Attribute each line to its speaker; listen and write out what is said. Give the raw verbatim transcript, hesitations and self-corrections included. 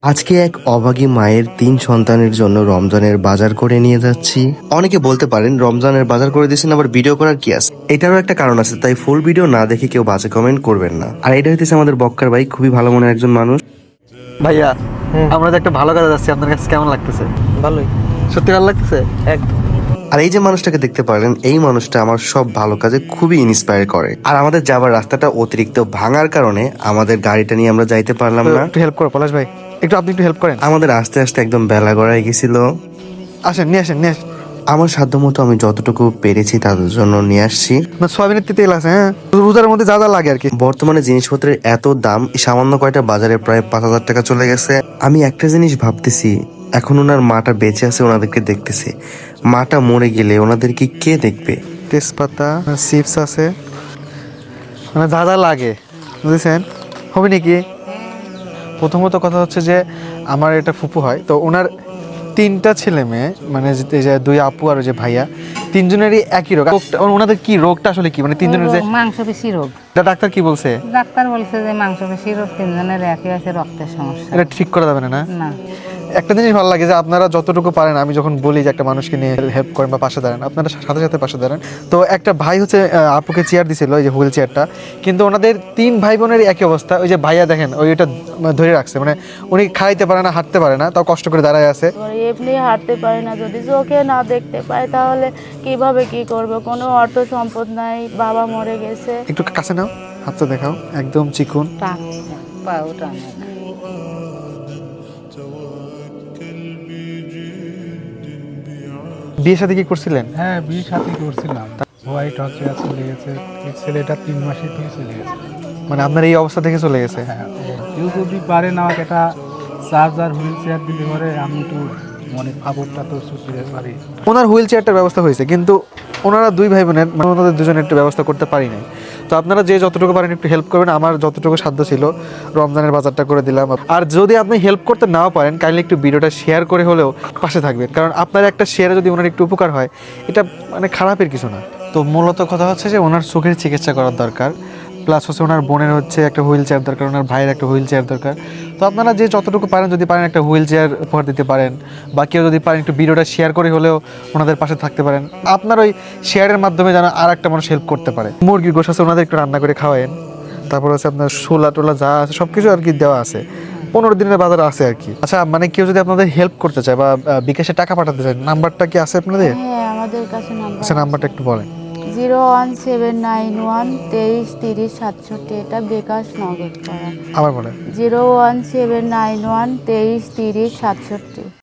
Speaker 1: আজকে এক অভাগী মায়ের তিন সন্তানের জন্য রমজানের বাজার করে নিয়ে যাচ্ছি। অনেকে বলতে পারেন রমজানের বাজার করে দিয়েছেন, আবার ভিডিও করার কি আছে? এটারও একটা কারণ আছে, তাই ফুল ভিডিও না দেখে কেউ বাজে কমেন্ট করবেন না। আর এটা হইতেছে আমাদের বক্কার ভাই, খুবই ভালো মনের একজন মানুষ।
Speaker 2: ভাইয়া, আমরা যে একটা ভালো কাজে যাচ্ছি, আপনার কাছে কেমন লাগতেছে?
Speaker 3: ভালোই,
Speaker 2: সত্যি ভালো লাগতেছে
Speaker 3: একদম।
Speaker 1: আর এই যে মানুষটাকে দেখতে পারেন, এই মানুষটা আমার সব ভালো কাজে খুবই ইন্সপায়ার করে। আর আমাদের যাবার রাস্তাটা অতিরিক্ত ভাঙার কারণে আমাদের গাড়িটা নিয়ে আমরা যাইতে পারলাম না।
Speaker 2: একটু হেল্প করো পলাশ ভাই, একটু আপনি একটু হেল্প করেন।
Speaker 1: আমাদের আস্তে আস্তে একদম বেলা গড়ায় গেছিল।
Speaker 2: আসেন, নিয়ে আসেন, নিয়ে আসেন।
Speaker 1: আমার সাধ্য মতো আমি যতটুকু পেরেছি তাদের জন্য নিয়ে আসছি।
Speaker 2: না, সয়াবিনের তেল আছে, হ্যাঁ, রোজার মধ্যে যা যা লাগে আর কি।
Speaker 1: বর্তমানে জিনিসপত্রের এত দাম, সামান্য কয়টা বাজারে প্রায় পাঁচ হাজার টাকা চলে গেছে। আমি একটা জিনিস ভাবতেছি, এখন ওনার মাটা বেঁচে আছে, ওনাদেরকে দেখতেছে। মাটা মরে গেলে ওনাদেরকে কে দেখবে?
Speaker 2: তেজপাতা, চিপস আছে, মানে যা যা লাগে, বুঝেছেন? হবে নাকি? প্রথমত কথা হচ্ছে যে আমার এটা ফুপু হয়, তো ওনার তিনটা ছেলে মেয়ে, মানে যে যে দুই আপু আর যে ভাইয়া, তিনজনেরই একই রোগ। রোগটা- ওনাদের কি রোগটা আসলে কি, মানে তিনজনের যে
Speaker 4: মাংস পেশি রোগ।
Speaker 2: এটা ডাক্তার কি বলছে?
Speaker 4: ডাক্তার বলছে যে মাংস পেশি রোগ তিনজনের একই আছে, রক্তের সমস্যা।
Speaker 2: এটা ঠিক করা যাবে না, না?
Speaker 4: না,
Speaker 2: একটা জিনিস ভালো লাগে যে আপনারা যতটুকু পারেন, আমি যখন বলি যে একটা মানুষকে নিয়ে হেল্প করেন বা পাশে দাঁড়ান, আপনারা সাথে সাথে পাশে দাঁড়ান। তো একটা ভাই হচ্ছে আহ, আপুকে চেয়ার দিছিল, ওই যে হুইল চেয়ারটা, কিন্তু ওনাদের তিন ভাই বোনের একই অবস্থা। ওই যে ভাইয়া দেখেন, ওই ওইটা ধরে রাখছে, মানে উনি খাইতে পারে না, হাঁটতে পারে না, তাও কষ্ট করে দাঁড়ায় আছে।
Speaker 5: এবার এমনি হাঁটতে পারে না, যদি চোখে না দেখতে পায় তাহলে কিভাবে কি করবে? কোনো অর্থ সম্পদ নাই, বাবা মরে গেছে।
Speaker 2: একটু কাছে নাও, হাতটা দেখাও, একদম চিকুন।
Speaker 4: টানছে, পাও টানে না।
Speaker 2: বিয়ে শাদী কি করছিলেন?
Speaker 6: হ্যাঁ, বিয়ে সাথে করছিলাম। হোয়াইট হসপিটাল চলে গেছে, এই ছেলেটা তিন মাসের থেকে চলে গেছে।
Speaker 2: মানে আপনার এই অবস্থা থেকে চলে গেছে?
Speaker 6: হ্যাঁ, কেউ যদি পারেন আমাকে একটা চার্জার হুইল চেয়ার দিতে পারে, আমি একটু মানে ফাবরটা তো সুতিতে পারি।
Speaker 2: ওনার হুইল চেয়ারটার ব্যবস্থা হয়েছে, কিন্তু ওনারা দুই ভাই বোনের, মানে ওনাদের দুজনের একটু ব্যবস্থা করতে পারি নাই। তো আপনারা যে যতটুকু পারেন একটু হেল্প করবেন। আমার যতটুকু সাধ্য ছিল রমজানের বাজারটা করে দিলাম। আর যদি আপনি হেল্প করতে নাও পারেন, কাইন্ডলি একটু ভিডিওটা শেয়ার করে হলেও পাশে থাকবেন, কারণ আপনার একটা শেয়ারে যদি ওনার একটু উপকার হয়, এটা মানে খারাপের কিছু না। তো মূলত কথা হচ্ছে যে ওনার চোখের চিকিৎসা করার দরকার, প্লাস হচ্ছে ওনার বোনের হচ্ছে একটা হুইল চেয়ার দরকার, ওনার ভাইয়ের একটা হুইল চেয়ার দরকার। তো আপনারা যে যতটুকু পারেন, যদি পারেন একটা হুইল চেয়ার উপহার দিতে পারেন, বা কেউ যদি পারেন একটু ভিডিওটা শেয়ার করে হলেও ওনাদের পাশে থাকতে পারেন। আপনার ওই শেয়ারের মাধ্যমে যেন আর একটা মানুষ হেল্প করতে পারে। মুরগির গোশ আছে, ওনাদের একটু রান্না করে খাওয়ায়েন। তারপর হচ্ছে আপনার ছোলা টোলা যা আছে সব কিছু আর কি দেওয়া আছে, পনেরো দিনের বাজার আছে আর কি। আচ্ছা, মানে কেউ যদি আপনাদের হেল্প করতে চায় বা আহ, বিকাশে টাকা পাঠাতে চায়, নাম্বারটা কি আছে আপনাদের?
Speaker 5: হ্যাঁ, আমাদের কাছে নাম্বার
Speaker 2: আচ্ছা, নাম্বারটা একটু বলেন।
Speaker 5: Zero one seven nine one তেইশ তিরিশ সাতষট্টি, এটা বিকাশ নগদ করা।
Speaker 2: আবার বলেন।
Speaker 5: Zero one seven nine one তেইশ তিরিশ সাতষট্টি।